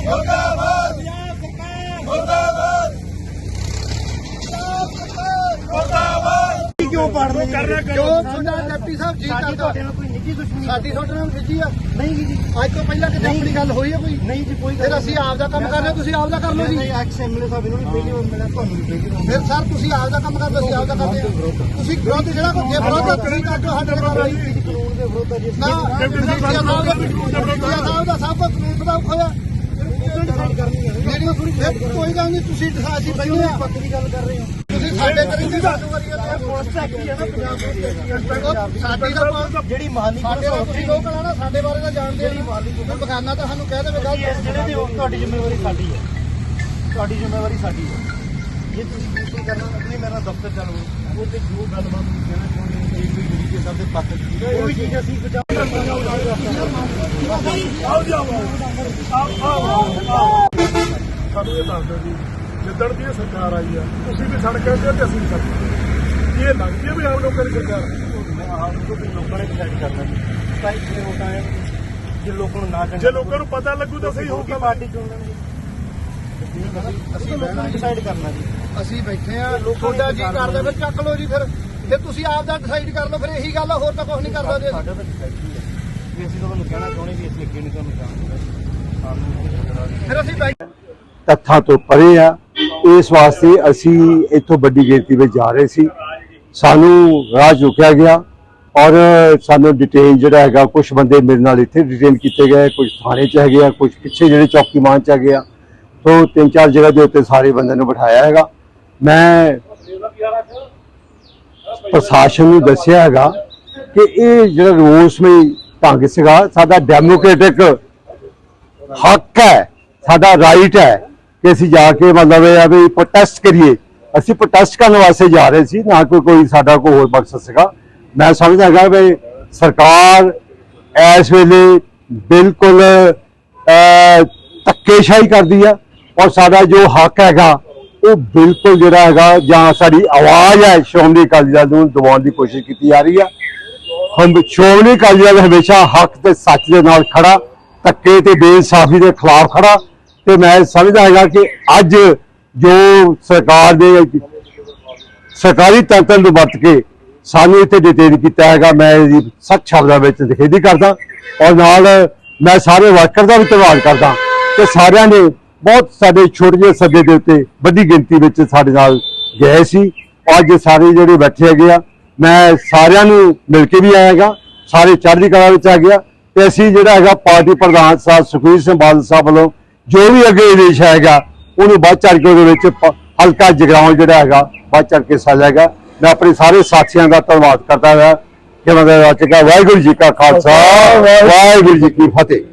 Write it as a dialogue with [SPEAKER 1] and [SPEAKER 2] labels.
[SPEAKER 1] मुर्दाबाद मुर्दाबाद क्यों पढ़ रहे क्यों डिप्टी साहब जी साडी ਤੁਹਾਡੇ ਨਾਲ ਖਿੱਚੀ ਆ ਨਹੀਂ ਜੀ ਅੱਜ ਤੋਂ ਪਹਿਲਾਂ ਕਿਤੇ ਆਪਣੀ ਗੱਲ ਹੋਈ ਹੈ ਕੋਈ ਨਹੀਂ ਜੀ ਕੋਈ ਫਿਰ ਅਸੀਂ ਆਪ ਦਾ ਕੰਮ ਕਰ ਰਹੇ ਤੁਸੀਂ ਆਪ ਦਾ ਕਰ ਲਓ ਜੀ ਨਹੀਂ ਐਕਸ ਐਮਐਲਏ ਸਾਹਿਬ ਇਹਨੂੰ ਵੀ ਪਹਿਲੀ ਵਾਰ ਮਿਲਿਆ ਤੁਹਾਨੂੰ ਵੀ ਪਹਿਲੀ ਵਾਰ ਫਿਰ ਸਰ ਤੁਸੀਂ ਆਪ ਦਾ ਕੰਮ ਕਰਦੇ ਅਸੀਂ ਆਪ ਦਾ ਕਰਦੇ ਤੁਸੀਂ ਵਿਰੋਧ ਜਿਹੜਾ ਕੋਈ ਵਿਰੋਧ ਤੁਸੀਂ ਕਰਦੇ ਸਾਡੇ ਨਾਲ ਕਾਨੂੰਨ ਦੇ ਵਿਰੋਧ ਹੈ ਜੀ ਨਾ ਡਿਪਟੀ ਸਾਹਿਬ ਦਾ ਸਭ ਕੁਝ ਕਾਨੂੰਨ ਦਾ ਹੋਇਆ ਕੋਈ ਗੱਲ ਨਹੀਂ ਤੁਸੀਂ ਅਸੀਂ ਪਹਿਲੇ ਪੱਕੀ ਗੱਲ ਕਰ ਰਹੇ ਹੋ ਤੁਸੀਂ ਸਾਡੇ ਕਰੀ ਦੀ ਸਾਡੀ ਜਿਹੜੀ ਮਾਲੀ ਸਾਡੇ ਲੋਕ ਆ ਨਾ ਸਾਡੇ ਬਾਰੇ ਤਾਂ ਜਾਣਦੇ ਨਹੀਂ ਮਾਲੀ ਬਗਾਨਾ ਤਾਂ ਸਾਨੂੰ ਕਹਿ ਦੇਵੇ ਗੱਲ ਜਿਹੜੇ ਤੇ ਤੁਹਾਡੀ ਜ਼ਿੰਮੇਵਾਰੀ ਸਾਡੀ ਹੈ ਤੁਹਾਡੀ ਜ਼ਿੰਮੇਵਾਰੀ ਸਾਡੀ ਹੈ ਜੇ ਤੁਸੀਂ ਬਿਲਕੁਲ ਕਰਨਾ ਨਹੀਂ ਮੇਰਾ ਦਫ਼ਤਰ ਚੱਲੋ ਉਹ ਤੇ ਜੋ ਗੱਲਬਾਤ ਕਹਿਣਾ ਚਾਹੁੰਦੇ ਹੋ ਕੋਈ ਜਿਹੜੀ ਸਭ ਦੇ ਪੱਖ ਉਹ ਵੀ ਚੀਜ਼ ਅਸੀਂ
[SPEAKER 2] ਸਾਨੂੰ ਇਹ ਦੱਸ ਦਿਓ ਜੀ ਜਿੱਦਣ ਦੀ ਇਹ ਸਰਕਾਰ ਆਈ ਆ ਤੁਸੀਂ ਵੀ ਸੜਕ ਕਹਿੰਦੇ ਤੇ ਅਸੀਂ ਵੀ ਸੜਕ ਇਹ ਲੱਗਦੀ ਹੈ ਵੀ ਆਮ ਲੋਕਾਂ ਦੀ ਸਰਕਾਰ
[SPEAKER 1] ਆਮ ਲੋਕਾਂ ਨੇ ਡਿਸਾਈਡ ਕਰਨਾ ਜੀ ਤਾਂ ਇੱਥੇ ਹੋਣਾ ਹੈ ਜੇ ਲੋਕਾਂ ਨੂੰ ਨਾ
[SPEAKER 2] ਜੇ ਲੋਕਾਂ ਨੂੰ ਪਤਾ ਲੱਗੂ ਤਾਂ ਸਹੀ ਹੋਊਗਾ
[SPEAKER 1] ਪਾਰਟੀ ਚੁਣਨਗੇ ਅਸੀਂ ਡਿਸਾਈਡ ਕਰਨਾ ਜੀ ਅਸੀਂ ਬੈਠੇ ਆ ਤੁਹਾਡਾ ਜੀ ਕਰਦਾ ਫਿਰ ਚੱਕ ਲਓ ਜੀ ਫਿਰ ਤੁਸੀਂ ਆਪ ਦਾ ਡਿਸਾਈਡ ਕਰ ਲਓ ਫਿਰ ਇਹੀ ਗੱਲ ਆ ਹੋਰ ਤਾਂ ਕੁਝ ਨਹੀਂ ਕਰਦਾ ਜੀ ਸਾਡਾ ਤਾਂ ਡਿਸਾਈਡ ਹੀ ਹੈ ਵੀ ਅਸੀਂ ਤੁਹਾਨੂੰ ਕਹਿਣਾ ਚਾਹੁੰਦੇ ਵੀ ਅਸੀਂ ਅੱਗੇ ਨਹੀਂ ਤੁਹਾਨੂੰ ਜਾਣਦੇ ਫਿਰ ਅਸੀਂ
[SPEAKER 3] ਤੱਥਾਂ ਤੋਂ ਪਰੇ ਆ ਇਸ ਵਾਸਤੇ ਅਸੀਂ ਇੱਥੋਂ ਵੱਡੀ ਗਿਣਤੀ ਵਿੱਚ ਜਾ ਰਹੇ ਸੀ ਸਾਨੂੰ ਰਾਹ ਰੁਕਿਆ ਗਿਆ ਔਰ ਸਾਨੂੰ ਡਿਟੇਨ ਜਿਹੜਾ ਹੈਗਾ ਕੁਝ ਬੰਦੇ ਮੇਰੇ ਨਾਲ ਇੱਥੇ ਡਿਟੇਨ ਕੀਤੇ ਗਏ ਕੁਝ ਥਾਣੇ 'ਚ ਹੈਗੇ ਆ ਕੁਝ ਪਿੱਛੇ ਜਿਹੜੇ ਚੌਕੀਮਾਨ 'ਚ ਹੈਗੇ ਆ ਤੋਂ 3-4 ਜਗ੍ਹਾ ਦੇ ਉੱਤੇ ਸਾਰੇ ਬੰਦਿਆਂ ਨੂੰ ਬਿਠਾਇਆ ਹੈਗਾ ਮੈਂ ਪ੍ਰਸ਼ਾਸਨ ਨੂੰ ਦੱਸਿਆ ਹੈਗਾ ਕਿ ਇਹ ਜਿਹੜਾ ਰੋਸਮਈ ਢੰਗ ਸੀਗਾ ਸਾਡਾ ਡੈਮੋਕ੍ਰੈਟਿਕ ਹੱਕ ਹੈ ਸਾਡਾ ਰਾਈਟ ਹੈ ਕਿ ਅਸੀਂ ਜਾ ਕੇ ਮਤਲਬ ਇਹ ਆ ਵੀ ਪ੍ਰੋਟੈਸਟ ਕਰੀਏ ਅਸੀਂ ਪ੍ਰੋਟੈਸਟ ਕਰਨ ਵਾਸਤੇ ਜਾ ਰਹੇ ਸੀ ਨਾ ਕੋਈ ਸਾਡਾ ਕੋਈ ਹੋਰ ਮਕਸਦ ਸੀਗਾ ਮੈਂ ਸਮਝਦਾ ਹੈਗਾ ਵੀ ਸਰਕਾਰ ਇਸ ਵੇਲੇ ਬਿਲਕੁਲ ਧੱਕੇਸ਼ਾਹੀ ਕਰਦੀ ਆ ਔਰ ਸਾਡਾ ਜੋ ਹੱਕ ਹੈਗਾ ਉਹ ਬਿਲਕੁਲ ਜਿਹੜਾ ਹੈਗਾ ਜਾਂ ਸਾਡੀ ਆਵਾਜ਼ ਹੈ ਸ਼੍ਰੋਮਣੀ ਅਕਾਲੀ ਦਲ ਨੂੰ ਦਬਾਉਣ ਦੀ ਕੋਸ਼ਿਸ਼ ਕੀਤੀ ਜਾ ਰਹੀ ਆ ਸ਼੍ਰੋਮਣੀ ਅਕਾਲੀ ਦਲ ਹਮੇਸ਼ਾ ਹੱਕ ਤੇ ਸੱਚ ਦੇ ਨਾਲ ਖੜਾ ਧੱਕੇ ਤੇ ਬੇਇਨਸਾਫੀ ਦੇ ਖਿਲਾਫ ਖੜਾ ਤੇ ਮੈਂ ਸਮਝਦਾ ਹੈਗਾ ਕਿ ਅੱਜ ਜੋ ਸਰਕਾਰ ਦੇ ਸਰਕਾਰੀ ਤੰਤਰ ਨੂੰ ਵਰਤ ਕੇ ਸਾਨੂੰ ਇੱਥੇ ਡਿਟੇਨ ਕੀਤਾ ਹੈਗਾ ਮੈਂ ਇਹਦੀ ਸਖਤ ਸ਼ਬਦਾਂ ਵਿੱਚ ਨਿਖੇਧੀ ਕਰਦਾ ਔਰ ਨਾਲ ਮੈਂ ਸਾਰੇ ਵਰਕਰ ਦਾ ਵੀ ਧੰਨਵਾਦ ਕਰਦਾ ਕਿ ਸਾਰਿਆਂ ਨੇ ਬਹੁਤ ਸਾਡੇ ਛੋਟੇ ਜਿਹੇ ਸੱਦੇ ਦੇ ਉੱਤੇ ਵੱਡੀ ਗਿਣਤੀ ਵਿੱਚ ਸਾਡੇ ਨਾਲ ਗਏ ਸੀ ਅੱਜ ਸਾਰੇ ਜਿਹੜੇ ਬੈਠੇ ਹੈਗੇ ਆ ਮੈਂ ਸਾਰਿਆਂ ਨੂੰ ਮਿਲ ਕੇ ਵੀ ਆਇਆਗਾ ਸਾਰੇ ਚੜ੍ਹਦੀ ਕਲਾ ਵਿੱਚ ਆ ਗਿਆ ਤੇ ਅਸੀਂ ਜਿਹੜਾ ਹੈਗਾ ਪਾਰਟੀ ਪ੍ਰਧਾਨ ਸਾਹਿਬ ਸੁਖਬੀਰ ਸਿੰਘ ਬਾਦਲ ਸਾਹਿਬ ਵੱਲੋਂ ਜੋ ਵੀ ਅੱਗੇ ਆਦੇਸ਼ ਆਏਗਾ ਉਹਨੂੰ ਵੱਧ ਚੜ੍ਹ ਕੇ ਉਹਦੇ ਵਿੱਚ ਹਲਕਾ ਜਗਰਾਉਂ ਜਿਹੜਾ ਹੈਗਾ ਵੱਧ ਚੜ੍ਹ ਕੇ ਹਿੱਸਾ ਲਏਗਾ ਮੈਂ ਆਪਣੇ ਸਾਰੇ ਸਾਥੀਆਂ ਦਾ ਧੰਨਵਾਦ ਕਰਦਾ ਹਾਂ ਕਿ ਮਤਲਬ ਵਾਹਿਗੁਰੂ ਜੀ ਕਾ ਖਾਲਸਾ ਵਾਹਿਗੁਰੂ ਜੀ ਕੀ ਫਤਿਹ।